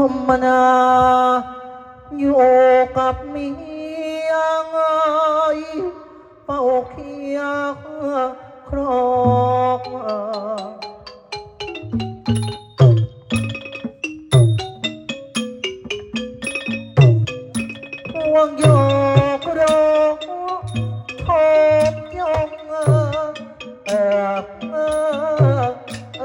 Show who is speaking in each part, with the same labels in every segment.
Speaker 1: มนาอยู่กับเมียไงเฝ้าเคียงครองห่วงโยกโรทบยงเออเออเอ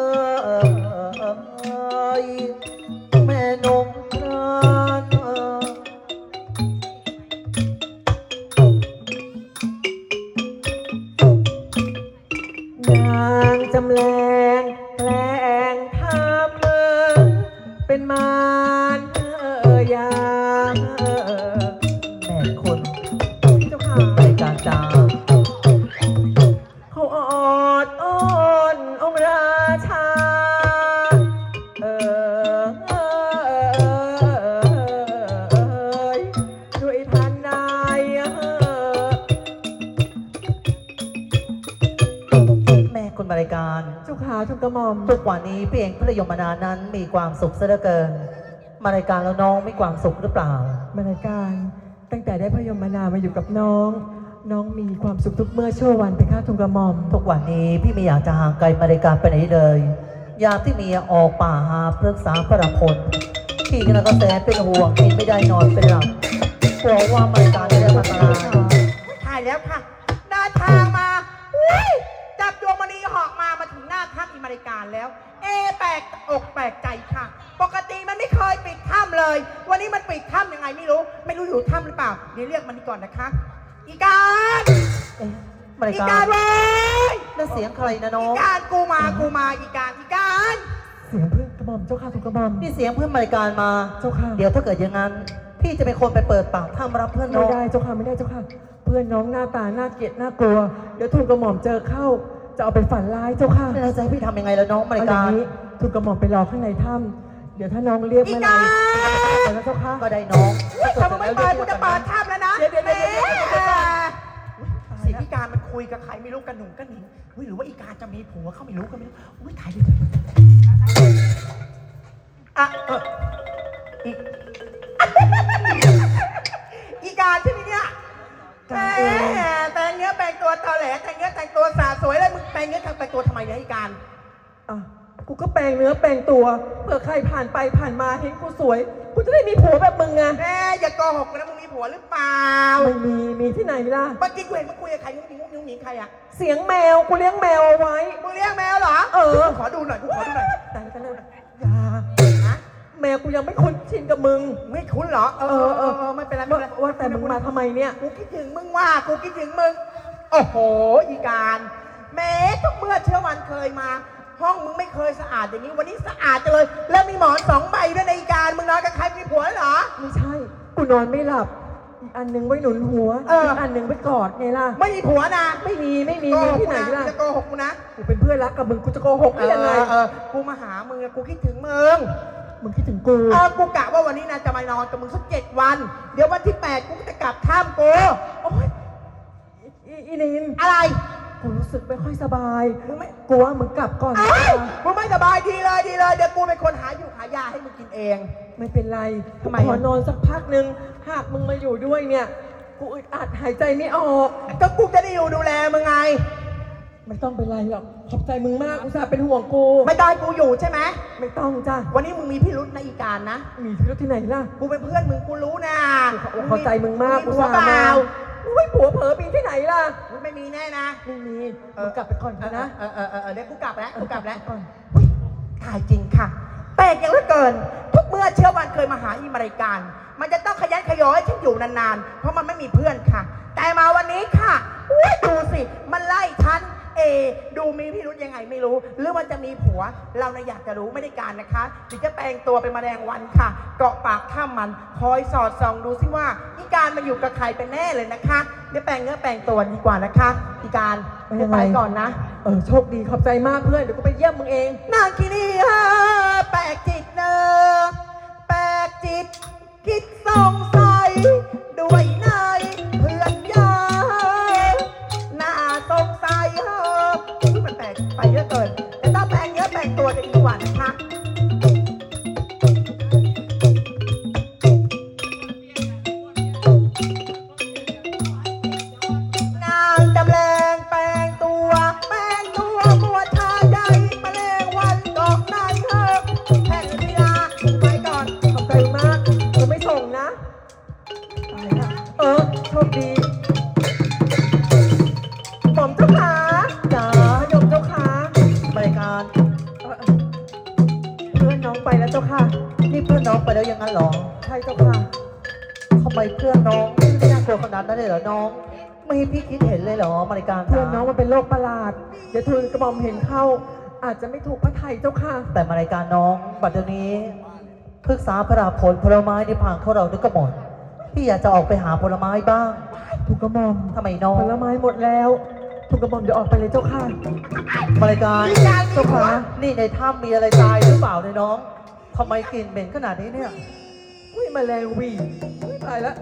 Speaker 1: อแม่นงครานนางจำแรงแกล้งทำเป็นมารยาแม่คนเจ้าค่ะในการจาเขาออดอ้อนองค์ราชาด้วยทันใดแม่คนบริการเจ้าขาทุกกระหม่อมทุกวันนี้พี่เองพระยมนานั้นมีความสุขซะเหลือเกินมารายการแล้วน้องมีความสุขหรือเปล่ามารายการตั้งแต่ได้พระยมนามาอยู่กับน้องมีความสุขทุกเมื่อชั่ววันเป็นข้าทุกกระหม่อมทุกวันนี้พี่ไม่อยากจะห่างไกลมารายการไปไหนเลยยามที่เมียออกป่าหาปรึกษาพระพลพี่ก็แสนเป็นห่วงกินไม่ได้นอนเป็นหลับกลัวว่ามารายการจะได้มาตาย
Speaker 2: ถ่ายแล้วค่ะเดินทางมาจับดวงมณีเหาะมาถึงหน้าถ้ำอิมริการแล้วแปลกอกแปลกใจค่ะปกติมันไม่เคยปิดถ้ำเลยวันนี้มันปิดถ้ำยังไงไม่รู้อยู่ถ้ำหรือเปล่าเดี๋ยวเรียกมันก่อนนะคะอีการอีการเว้ย
Speaker 1: นั่นเสียงใครนะน้อง
Speaker 2: อีการกูมาอีการ
Speaker 1: เสียงเพื่อนกระหม่อมเจ้าค่ะทุกกระหม่อมนี่เสียงเพื่อนมารายการมาเจ้าค่ะเดี๋ยวถ้าเกิดอย่างนั้นพี่จะเป็นคนไปเปิดปากถ้ำรับเพื่อนน้องไม่ได้เจ้าค่ะไม่ได้เจ้าค่ะเพื่อนน้องหน้าตาน่าเกลียดน่ากลัวเดี๋ยวทุกกระหม่อมเจอเข้าจะเอาไปฝันร้ายเจ้าค่ะแล้วจะให้พี่ทำยังไงแล้วน้องมารายการทุกกระหม่อมไปรอข้างในถ้ำเดี๋ยวถ้าน้องเรียกเมื่อไหร่แล้วเจ้าค่ะก็ได้น้อง
Speaker 2: ถ้ามึงไม่ไปกูจะเปิดถ้ำแล้วนะสิพี่การมันคุยกับใครไม่รู้กันหนุ่มกันหนิงหรือว่าอีการจะมีผัวเขาไม่รู้ถ่ายเลยอีการใช่ไหมเนี่ยแต่งเนื้อแปลงตัวตอแหลแต่งเนื้อแต่งตัวสาสวยเลยมึงแปลงเนื้อแต่งตัวทำไมเนี่ยอีการ
Speaker 1: กูก็แปลงเนื้อแปลงตัวเผื่อใครผ่านไปผ่านมาเห็นกูสวยกูจะได้มีผัวแบบมึงไง
Speaker 2: อย่าโกหกนะมึงมีผัวหรือเปล่า
Speaker 1: ไม่มีที่ไหนล่ะ
Speaker 2: เมื่อกี้กูเห็นมึงคุยกับใครงุ้งงิ้งใครอะ
Speaker 1: เสียงแมวกูเลี้ยงแมวเอาไว้
Speaker 2: มึงเลี้ยงแมวเหรอขอดูหน่อย
Speaker 1: แต่เลยแมวกูยังไม่คุ้นชินกับมึง
Speaker 2: ไม่คุ้นเหรอไม่เป็นไร
Speaker 1: ว่าแต่มึงมาทำไมเนี่ย
Speaker 2: กูคิดถึงมึงโอ้โหอีการแม้ทุกเมื่อเชื่อวันเคยมาห้องมึงไม่เคยสะอาดอย่างนี้วันนี้สะอาดจังเลยแล้วมีหมอน2 ใบด้วยในอีการมึงนอนกับใครมีผัวเหรอ
Speaker 1: ไม่ใช่กูนอนไม่หลับอีกอันนึงไว้หนุนหัวอีกอันนึงไว้กอดไงล่ะ
Speaker 2: ไม่มีผัวนะ
Speaker 1: ไม่มีที่ไหนล่ะ
Speaker 2: จะโกหกกูนะ
Speaker 1: กูเป็นเพื่อนรักกับมึงกูจะโกหกได้ยังไง
Speaker 2: กูมาหามึงกูคิดถึงมึง
Speaker 1: คิดถึงกู
Speaker 2: กูกะว่าวันนี้นะจะมานอนกับมึงสัก7 วันเดี๋ยววันที่8กูจะกลับถ้ำกู
Speaker 1: โอ๊ยอีนิน
Speaker 2: อะไร
Speaker 1: กูรู้สึกไม่ค่อยสบายมึงไม่กลัวมึงกลับก่อน
Speaker 2: มึงไม่สบายดีเลยเดี๋ยวกูเป็นคนหายาให้มึงกินเอง
Speaker 1: ไม่เป็นไร
Speaker 2: ทำไม
Speaker 1: ขอนอนสักพักนึงหากมึงมาอยู่ด้วยเนี่ยกูอึดอัดหายใจไม่ออก
Speaker 2: ก็กูจะได้อยู่ดูแลมึงไง
Speaker 1: ไม่ต้องเป็นไรหรอกขอบใจมึงมากอุตส่าห์เป็นห่วงกู
Speaker 2: ไม่ได้กูอยู่ใช่ไหม
Speaker 1: ไม่ต้องจ้ะ
Speaker 2: วันนี้มึงมีพิรุธในอีการนะ
Speaker 1: มีพิรุธที่ไหนล่ะ
Speaker 2: กูเป็นเพื่อนมึงกูรู้นะ
Speaker 1: ขอบใจมึงมากอุตส่าห์มาไม่ผัวเผลอปีที่ไหนล่ะ
Speaker 2: ไม่มีแน่นะ
Speaker 1: ไม่มีมึงกลับไปก่อนนะ
Speaker 2: เดี๋ยวกูกลับแล้วก่อนถ่ายจริงค่ะแปลกอย่างเหลือเกินทุกเมื่อเชื่อวันเคยมาหาอิมริการมันจะต้องขยันขยอให้ฉันอยู่นานๆเพราะมันไม่มีเพื่อนค่ะแต่มาวันนี้ค่ะดูสิมันไล่ฉันดูมีพิรุธยังไงไม่รู้หรือมันจะมีผัวเราเนี่ยอยากจะรู้ไม่ได้การนะคะถึงจะแปลงตัวเป็นแมลงวันค่ะเกาะปากถ้ำมันคอยสอดส่องดูสิว่าอีการมาอยู่กับใครเป็นแน่เลยนะคะเดี๋ยวแปลงเนื้อแปลงตัวดีกว่านะคะอีการไปก่อนนะ
Speaker 1: โชคดีขอบใจมากเพื่อนเดี๋ยวกูไปเยี่ยมมึงเอง
Speaker 2: นางกินีฮะแปลกจิตเนอแปลกจิตคิดสงสัยด้วยนายเพื่อนยาน่าสงสัยมันแปลกไปเยอะเกินแต่ถ้าแปลงเยอะแปลงตัวจะดีกว่านะคะ
Speaker 3: ชคดีหม่อมเจ้าขา
Speaker 1: จ๋า
Speaker 3: พยมเจ้าขา
Speaker 1: บริการ
Speaker 3: เพื่อนน้องไปแล้วเจ้าค่ะ
Speaker 1: นี่เพื่อนน้องไปแล้วอยังงั้นเหรอ
Speaker 3: ใช่เจ้าค่ะ
Speaker 1: ทำไมเพื่อนน้องไม่น่ากลัวขนาดนั้นเลยเหรอน้อง ไม่ให้พี่คิดเห็นเลยเหรอบริการ
Speaker 3: เพื่อนน้องมันเป็นโรคประหลาด เดี๋ยวทูลกระหม่อมเห็นเข้า อาจจะไม่ถูกพระไทยเจ้าค่ะ
Speaker 1: แต่มารายการน้องบัดเดี๋ยวนี้พฤกษาพระราผลผลไม้ในพังของเรานึกก็หมดพี่อยากจะออกไปหาผลไม้บ้าง
Speaker 3: ถูกกระหม่อม
Speaker 1: ทำไมน้อง
Speaker 3: ผลไม้หมดแล้วถูกกระหม่อมเดี๋ยวออกไปเลยเจ้าค่ะ
Speaker 1: มารายการ
Speaker 3: เจ้าขา
Speaker 1: นี่ในถ้ำมีอะไรตายหรือเปล่าเนี่ยน้องทำไมกลิ่นเหม็นขนาดนี้เนี่ย
Speaker 3: อุ้ยแมลงวีอุ๊ยตายแล้ว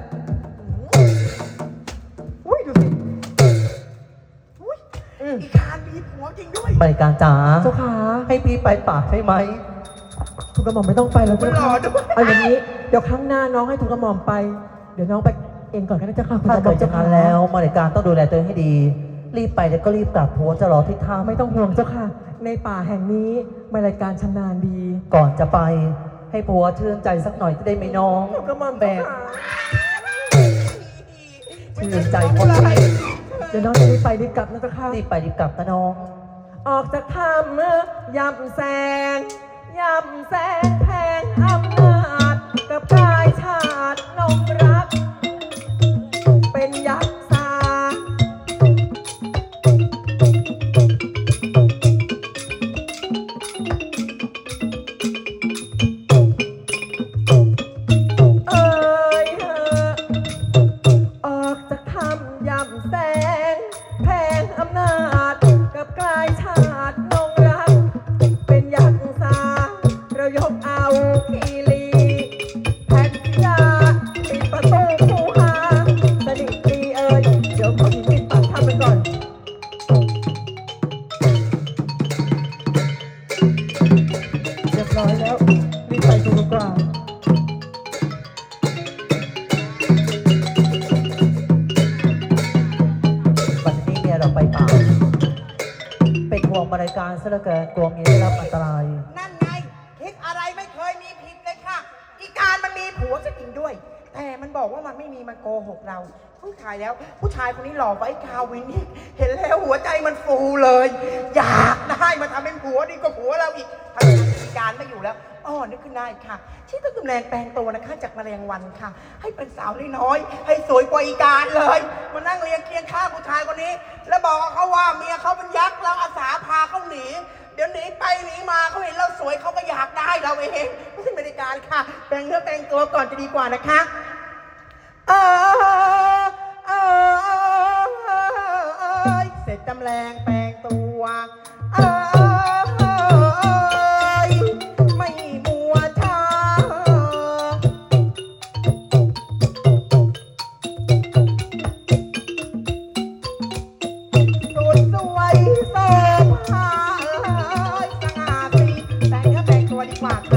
Speaker 3: อุ้ยดูสิ
Speaker 2: อุ๊ย
Speaker 3: อืม
Speaker 2: อีกการมีผัวจริงด้วย
Speaker 1: มารายการจ๋า
Speaker 3: เจ้าขา
Speaker 1: ให้พี่ไปป่าใช่ไหม
Speaker 3: ถูกกระหม่อมไม่ต้องไปแล้วเจ้าค่ะเอาอย่างนี้เดี๋ยวครั้งหน้าน้องให้ถูกกระหม่อมไป เดี๋ยวน้องไปเองก่อนก็ได้เจ้าค่ะคุณ
Speaker 1: ถ้าก
Speaker 3: ระหม่
Speaker 1: เกิ
Speaker 3: อ
Speaker 1: ด
Speaker 3: ม
Speaker 1: จะ
Speaker 3: เจ้า
Speaker 1: งั้
Speaker 3: ค่ะ
Speaker 1: นแล้วมารายการต้องดูแลตัวเองให้ดี รีบไปแล้วก็รีบกลับผัวจะรอที่ท่า
Speaker 3: ไม่ต้องห่วงเจ้าค่ะ ในป่าแห่งนี้มารายการชำนาญดี
Speaker 1: ก่อนจะไปให้ผัวชื่นใจสักหน่อยจะได้ไหมน้อง
Speaker 3: ถูกกระหม่อม
Speaker 1: แบ
Speaker 3: เจ้าก ค่ะ
Speaker 1: ชื่นใจคนนี้
Speaker 3: เดี๋ยวน้องจะรีบไปรีบกลับนะเจ้าค่ะ
Speaker 1: รีบไปรีบกลับนะน้อง
Speaker 3: ออกจากถ้ำยำแสงยำแสงแพงอำนาจกับกายชาตินงรัก เป็นยักษ์สา เอ่ยออกจากถ้ำยำแสงแพงอำนาจกับกลายชาตินงรัก เป็นยักษ์สาเรายกเอาคีรีแผ่นยาปิดประตูคูหาสนิทดีเอ่ยเดี๋ยวขอมีดปักถ้ำไปก่อนเรียบร้อยแล้วรีบไปดูดีกว่า
Speaker 1: วันนี้เมียเราไปป่าเป็นห่วงมารายการซะเหลือเกินกลัวเมียได้รับอันตราย
Speaker 2: นั่นไงคิดอะไรไม่เคยมีผิดเลยค่ะ อีการมันมีผัวซะจริงด้วย แต่มันบอกว่ามันไม่มีมันโกหกเราผู้ชายแล้ว ผู้ชายคนนี้หล่อไว้คาวินนี่เห็นแล้วหัวใจมันฟูเลย อยากได้มาทำเป็นผัวดีกว่าผัวเราอีกทำงานอีการไม่อยู่แล้วอ้อนึกขึ้นได้ค่ะที่ต้องกำแรงแปลงตัวนะคะจากแมลงวันค่ะ ให้เป็นสาวน้อยๆให้สวยกว่าอีการเลยมานั่งเรียงเคียงข้างผู้ชายคนนี้ แล้วบอกกับเขาว่าเมียเขาเป็นยักษ์แล้วอาสาพาเขาหนี เดี๋ยวหนีไปหนีมาเขาเห็นเราสวยเขาก็อยากได้เราเองไม่ใช่บริการค่ะแปลงเนื้อแปลงตัวก่อนจะดีกว่านะคะเสร็จจำแรงแปลงตัวไม่มัวช้าสุดสวยโสภาสง่าสีแต่งเนื้อแต่งตัวดีกว่าค่ะ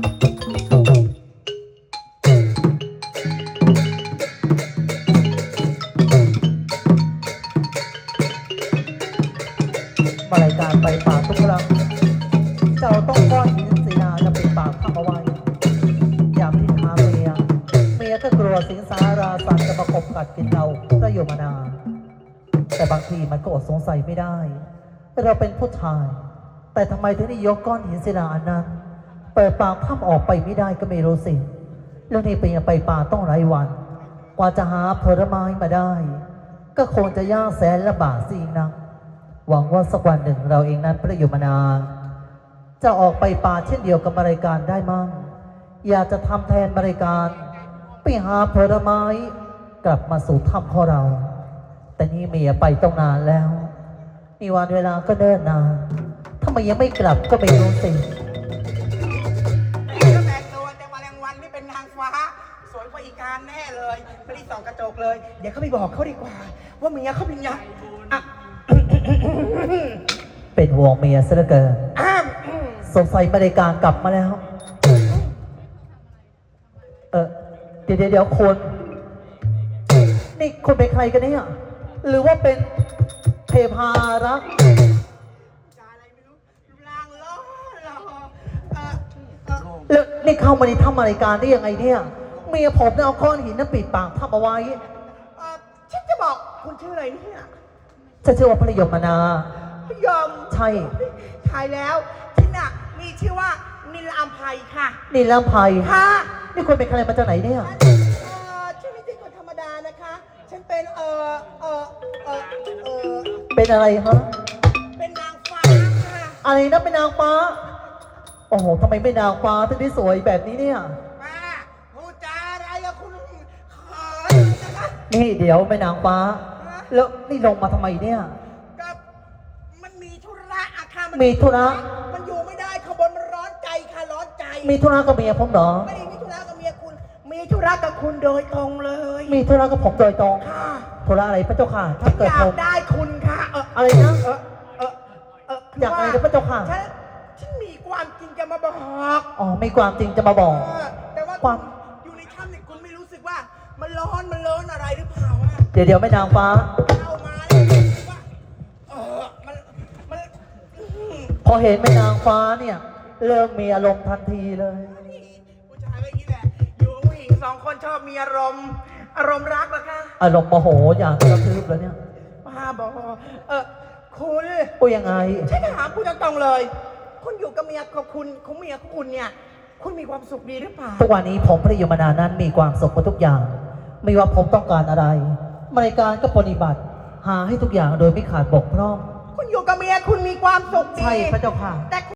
Speaker 1: มารายการไปป่าทุกครั้งเจ้าต้องก้อนหินสีนาจะปิดปากข้าเอาไว้อย่าพิดหาเมียก็กลัวสิงสาราสัตว์จะมาขบกัดกินเราก็อยู่มานานแต่บางทีมันก็อดสงสัยไม่ได้ เราเป็นผู้ชาย แต่ทำไมถึงได้ยกก้อนหินศิลาอันนั้นเปิดปากข้ามออกไปไม่ได้ก็ไม่รู้สิแล้วนี่เป็นยังไปป่าต้องหลายวัน กว่าจะหาผลไม้มาได้ ก็คงจะยากแสนลำบากสินะ หวังว่าสักวันหนึ่งเราเองนั้นประโยชน์มานานจะออกไปป่าเช่นเดียวกับมารายการได้มั่งอยากจะทำแทนมารายการไปหาผลไม้กลับมาสู่ถ้ำของเรา แต่นี่เมียไปต้องนานแล้วนี่วันเวลาก็เดินนานทำไมยังไม่กลับก็ไม่รู้สิ
Speaker 2: ก็แต่งตัวแต่แมลงวันนี่เป็นนางฟ้า สวยกว่าอีการแน่เลยไม่ได้ส่องกระจกเลย เดี๋ยวเขาไปบอกเขาดีกว่า ว่าเมียเขาเป็นยักษ์อ่ะ
Speaker 1: เป็นห่วงเมียซะเหลือเกิน
Speaker 2: อ้าม
Speaker 1: สงสัยมารายการกลับมาแล้ว เดี๋ยวคุณนี่คุณเป็นใครกันเนี่ยหรือว่าเป็นเทพารักษ์
Speaker 2: จาอะไรไม่รู้ลางล้อหล่อ
Speaker 1: แล้วนี่เข้ามาในถ้ำมารายการได้ยังไงเนี่ยเมียผมเนี่ยเอาก้อนหินนั้นปิดปากทับเอาไว้
Speaker 2: ตจะบอกคุณชื่ออะไรเนี่ย
Speaker 1: จะชื่อว่าพระยมนา
Speaker 2: ยอม
Speaker 1: ใช่
Speaker 2: ทายแล้วฉันน่ะมีชื่อว่านิลอัมภัยค่ะ
Speaker 1: นี่ลำไพ
Speaker 2: ค่ะ
Speaker 1: นี่คุณเป็นใครมาจากไหนเนี่ย
Speaker 2: ฉันไม่ใช่คนธรรมดานะคะ ฉันเป็น
Speaker 1: เป็นอะไรฮะ
Speaker 2: เป็นนางฟ้าค่ะ
Speaker 1: อะไรนะเป็นนางฟ้า โอ้โหทำไมไม่นางฟ้าถึงได้สวยแบบนี้เนี่ย
Speaker 2: ป้าพูดจาอะไรอะคุณเขินนะคะ
Speaker 1: นี่เดี๋ยวเป็นนางฟ้า แล้วนี่ลงมาทำไมเนี่ย
Speaker 2: กับมันมีธุระอะค่ะ
Speaker 1: มีธุระ
Speaker 2: มันอยู่ไม่ได้ขบวนมันร้อนใจค่ะร้อนใจ
Speaker 1: มีธุระกับเมียผมเหรอ
Speaker 2: ไม่ได้มีธุระกับเมียคุณ มีธุระกับคุณโดยตรงเลย
Speaker 1: มีธุระกับผมโดยตรง
Speaker 2: ค่ะ
Speaker 1: ธุระอะไรพระเจ้าค่ะ
Speaker 2: ฉั
Speaker 1: ถ้าน เกิ
Speaker 2: อ
Speaker 1: ด
Speaker 2: ยา
Speaker 1: ผ
Speaker 2: ก
Speaker 1: ม
Speaker 2: ได้คุณค่ะ
Speaker 1: อะไรนะ
Speaker 2: คือ
Speaker 1: อยากอะไรนะพระเจ้าค่ะ
Speaker 2: ฉันมีความจริงจะมาบอก
Speaker 1: อ๋อมีความจริงจะมาบอก
Speaker 2: แต่ว่า
Speaker 1: ความ
Speaker 2: อยู่ในถ้ำเนี่ยคุณไม่รู้สึกว่ามันร้อนอะไรหรือเปล่าอะ
Speaker 1: เดี๋ยวไม่นางฟ้า
Speaker 2: เข้ามาแล้วรู้สึกว่ามัน
Speaker 1: พอเห็นแม่นางฟ้าเนี่ย เริ่มมีอารมณ์ทันทีเลย
Speaker 2: ผู้ชายก็อย่างนี้แหละ อยู่กับผู้หญิงสองคนชอบมีอารมณ์รักเหรอคะ
Speaker 1: อารมณ์โมโหอย่างกระทืบแล้วเนี่ย
Speaker 2: ป้าบอกคุณ
Speaker 1: โอ้ยังไง
Speaker 2: ฉันถามคุณตรงๆเลย คุณอยู่กับเมียของคุณเมียของคุณเนี่ย คุณมีความสุขดีหรือเปล่า
Speaker 1: ทุกวันนี้ผมพระยมนานั้นมีความสุขกับทุกอย่าง ไม่ว่าผมต้องการอะไรบริการก็ปฏิบัติ หาให้ทุกอย่างโดยไม่ขาดบกพร่อง
Speaker 2: คุณอยู่กับเมียคุณมีความสุขดี
Speaker 1: ใช่พระเจ้าค่ะ
Speaker 2: แต่